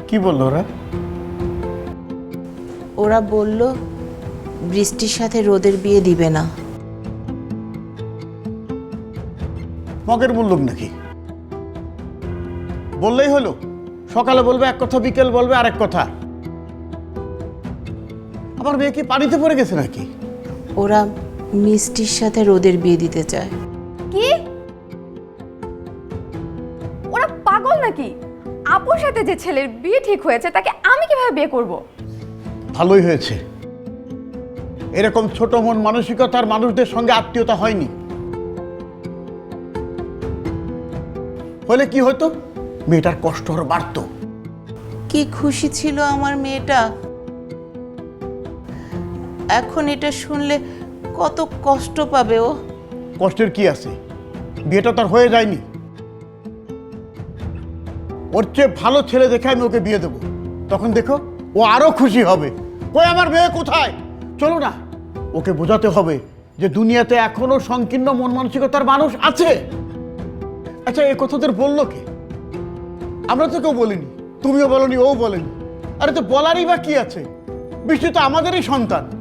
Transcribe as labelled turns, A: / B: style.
A: কি বললো ওরা?
B: ওরা বলল বৃষ্টির সাথে রোদের বিয়ে দিবে না।
A: মগের মুল্লুক নাকি? বললেই হলো, সকালে বলবে এক কথা, বিকেল বলবে আরেক কথা। আমার মেয়ে কি পানিতে পড়ে গেছে নাকি?
B: ওরা মিষ্টির সাথে রোদের বিয়ে দিতে চায়।
C: কি? ওরা পাগল নাকি? আপুর সাথে যে ছেলের বিয়ে ঠিক হয়েছে তাকে আমি কিভাবে বিয়ে করব?
A: ভালোই হয়েছে, এরকম ছোট মন মানসিকতার মানুষদের সঙ্গে আত্মীয়তা হয়নি। হলে কি হতো, মেয়েটার কষ্ট আরো বাড়তো।
B: কি খুশি ছিল আমার মেয়েটা, এখন এটা শুনলে কত কষ্ট পাবে ও।
A: কষ্টের কি আছে, বিয়েটা তার হয়ে যায়নি। ওর চেয়ে ভালো ছেলে দেখে আমি ওকে বিয়ে দেবো, তখন দেখো ও আরো খুশি হবে। কই আমার মেয়ে কোথায়? চলো না, ওকে বোঝাতে হবে যে দুনিয়াতে এখনো সংকীর্ণ মন মানসিকতার মানুষ আছে। আচ্ছা, এই কথাদের বললো কে? আমরা তো কেউ বলিনি, তুমিও বলনি, ও বলেনি। আরে তো বলারই বা কি আছে, বৃষ্টি তো আমাদেরই সন্তান।